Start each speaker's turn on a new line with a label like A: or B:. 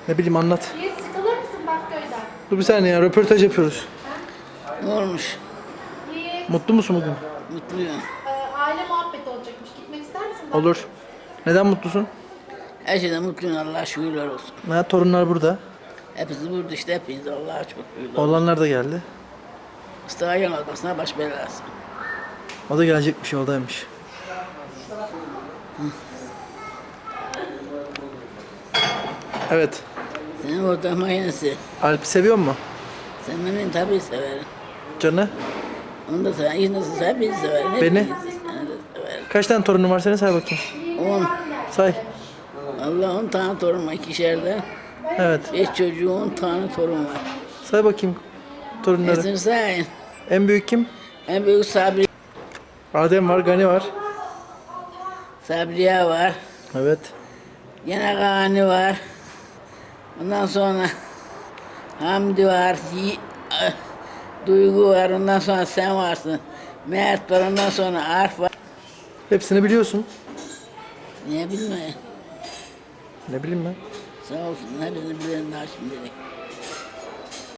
A: Ne bileyim anlat.
B: Niye sıkılır mısın Bakköy'den?
A: Dur bir saniye ya, röportaj yapıyoruz.
C: Ne olmuş?
B: Niye?
A: Mutlu musun bugün?
C: Mutluyum.
B: Aile muhabbeti olacakmış. Gitmek ister misin?
A: Olur. Neden mutlusun?
C: Her şeyden mutluyum, Allah'a şükürler olsun.
A: Ha, torunlar burada.
C: Hepsi burada işte, hepiniz Allah'a çok şükürler olsun.
A: Oğlanlar da geldi.
C: Mustafa yanılmasına baş belası.
A: O da gelecekmiş, yoldaymış. Evet.
C: Senin ortak makinesi.
A: Alp'i seviyor mu?
C: Sen beni tabii severim.
A: Canı?
C: Onu da severim. İyi nasıl hepinizi severim.
A: Beni?
C: Hepinizi seni de severim.
A: Kaç tane torunun var senin, say bakayım.
C: 10.
A: Say.
C: Allah 10 tane torun var ikişerde.
A: Evet.
C: 5 çocuğu 10 tane torun var.
A: Say bakayım torunları.
C: Hepsini sayın.
A: En büyük kim?
C: En büyük
A: Adem var, Gani var.
C: Sabriye var.
A: Evet.
C: Yine Gani var. Ondan sonra Hamdi var. Duygu var. Ondan sonra sen varsın. Mert var. Ondan sonra Arif var.
A: Hepsini biliyorsun.
C: Niye bilmiyorum.
A: Ne bileyim ben.
C: Sağ olsun. Hepsini bilen daha şimdilik.